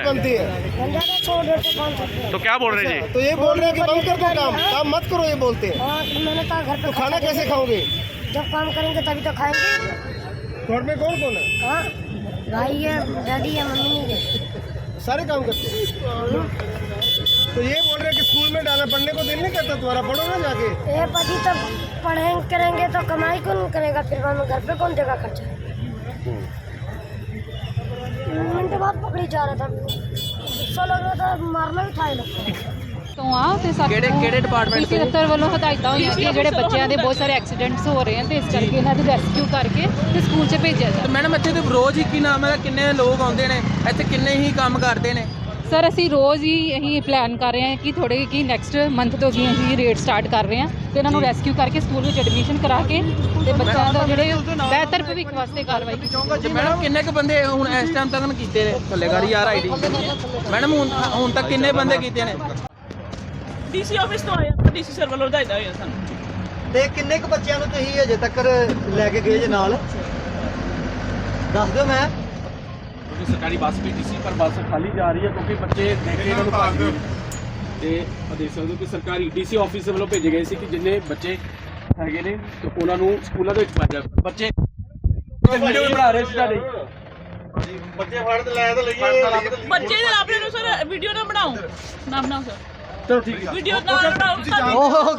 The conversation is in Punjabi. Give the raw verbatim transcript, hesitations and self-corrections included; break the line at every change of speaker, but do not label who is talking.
बनती है।
तो क्या बोल रहे जी?
तो ये बोल रहे हैं कि बंद कर दो काम, काम मत करो, ये बोलते हैं।
मैंने कहा घर पे
तो खाना कैसे खाओगे?
जब काम करेंगे तभी तो खाएंगे।
घर में कौन कौन है?
हाँ, भाई है, डैडी है, मम्मी नहीं है।
सारे काम करते हैं। तो ये बोल रहे हैं कि स्कूल में डालना, पढ़ने को दिल नहीं करता तुम्हारा, पढ़ो ना जाके।
ये पति तो पढ़ेंगे करेंगे तो कमाई कौन करेगा, फिर बाद में घर पे कौन देगा खर्चा। मिनट बाद पकड़ी जा रहा था, गुस्सा लग रहा था, मारना भी था ये लोग
ਤੋਂ ਆ ਤੇ ਸਾਡੇ ਕਿਹੜੇ ਡਿਪਾਰਟਮੈਂਟ ਤੋਂ ਦਫ਼ਤਰ ਵੱਲੋਂ ਹਦਾਇਤਾਂ ਹੋਈਆਂ ਕਿ ਜਿਹੜੇ ਬੱਚਿਆਂ ਦੇ ਬਹੁਤ ਸਾਰੇ ਐਕਸੀਡੈਂਟਸ ਹੋ ਰਹੇ ਹਨ ਤੇ ਇਸ ਕਰਕੇ ਇਹਨਾਂ ਦੀ ਰੈਸਕਿਊ ਕਰਕੇ ਤੇ ਸਕੂਲ 'ਚ ਭੇਜਿਆ ਜਾਵੇ।
ਮੈਡਮ ਇੱਥੇ ਤੇ ਰੋਜ਼ ਹੀ ਕੀ ਨਾਮ ਹੈ ਕਿੰਨੇ ਲੋਕ ਆਉਂਦੇ ਨੇ ਇੱਥੇ, ਕਿੰਨੇ ਹੀ ਕੰਮ ਕਰਦੇ ਨੇ?
ਸਰ ਅਸੀਂ ਰੋਜ਼ ਹੀ ਇਹੀ ਪਲਾਨ ਕਰ ਰਹੇ ਹਾਂ ਕਿ ਥੋੜੇ ਕਿ ਨੈਕਸਟ ਮੰਥ ਤੋਂ ਜੀ ਅਸੀਂ ਰੇਟ ਸਟਾਰਟ ਕਰ ਰਹੇ ਹਾਂ ਤੇ ਇਹਨਾਂ ਨੂੰ ਰੈਸਕਿਊ ਕਰਕੇ ਸਕੂਲ ਵਿੱਚ ਐਡਮਿਸ਼ਨ ਕਰਾ ਕੇ ਤੇ ਬੱਚਿਆਂ ਦਾ ਜਿਹੜੇ ਬਿਹਤਰ ਭਵਿੱਖ ਵਾਸਤੇ ਕਾਰਵਾਈ ਕੀਤੀ।
ਮੈਡਮ ਕਿੰਨੇ ਕੁ ਬੰਦੇ ਹੁਣ ਇਸ ਟਾਈਮ ਤੱਕ ਕੀਤੇ ਨੇ ਥੱਲੇਗਾਰੀ ਯਾਰ ਆਈਡੀ? ਮੈਡਮ ਹੁਣ ਹੁਣ ਤੱਕ ਕਿੰਨੇ ਬੰਦੇ ਕੀਤੇ ਨੇ?
ਡੀਸੀ ਆਫਿਸ ਤੋਂ ਆਇਆ, ਡੀਸੀ ਸਰ ਵੱਲੋਂ ਹਦਾਇਤਾਂ ਹੋਈਆਂ ਸਾਨੂੰ।
ਤੇ ਕਿੰਨੇ ਕੁ ਬੱਚਿਆਂ ਨੂੰ ਤੁਸੀਂ ਅਜੇ ਤੱਕ ਲੈ ਕੇ ਗਏ ਜੇ ਨਾਲ ਦੱਸ ਦਿਓ। ਮੈਂ
ਕਿਉਂਕਿ ਸਰਕਾਰੀ ਬੱਸ ਵੀ ਟੀ ਸੀ ਪਰ ਬੱਸ ਖਾਲੀ ਜਾ ਰਹੀ ਹੈ ਕਿਉਂਕਿ ਬੱਚੇ ਦੇਖ ਕੇ ਇਹਨਾਂ ਨੂੰ ਭੱਜ ਗਏ ਤੇ ਆ ਦੇਖ ਸਕਦੇ ਹੋ ਕਿ ਸਰਕਾਰੀ ਡੀ ਸੀ ਆਫਿਸ ਵੱਲੋਂ ਭੇਜੇ ਗਏ ਸੀ ਕਿ ਜਿੰਨੇ ਬੱਚੇ ਹੈਗੇ ਨੇ ਤੇ ਉਹਨਾਂ ਨੂੰ ਸਕੂਲਾਂ ਦੇ ਵਿੱਚ ਪਾਇਆ ਜਾਵੇ। ਬੱਚੇ ਵੀਡੀਓ ਵੀ ਬਣਾ ਰਹੇ ਸੀ ਤੁਹਾਡੇ
ਬੱਚੇ ਫੜ ਤੇ ਲੈ ਤੇ ਲਈਏ।
ਬੱਚੇ ਦੇ ਆਪਣੇ ਨੂੰ ਸਰ ਵੀਡੀਓ ਨਾ ਬਣਾਓ, ਨਾ ਬਣਾਓ ਸਰ,
ਚਲੋ ਠੀਕ ਹੈ।
ਵੀਡੀਓ ਨਾ ਬਣਾਓ।